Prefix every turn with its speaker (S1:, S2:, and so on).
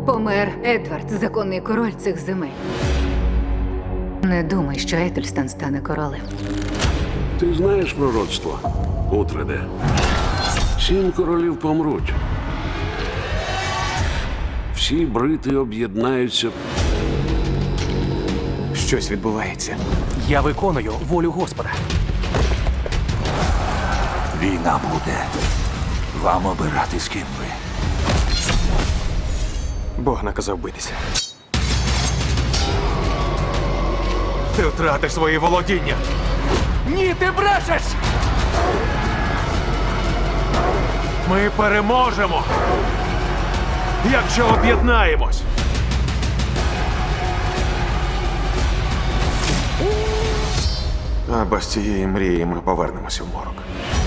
S1: Помер Едвард, законний король цих земель. Не думай, що Етельстан стане королем.
S2: Ти знаєш пророцтво, Утреде? 7 королів помруть. Всі брити об'єднаються.
S3: Щось відбувається.
S4: Я виконую волю Господа.
S5: Війна буде. Вам обирати, з ким ви.
S3: Бог наказав битися. Ти втратиш свої володіння.
S4: Ні, ти брешеш!
S3: Ми переможемо, якщо об'єднаємось. А без цієї мрії ми повернемося в морок.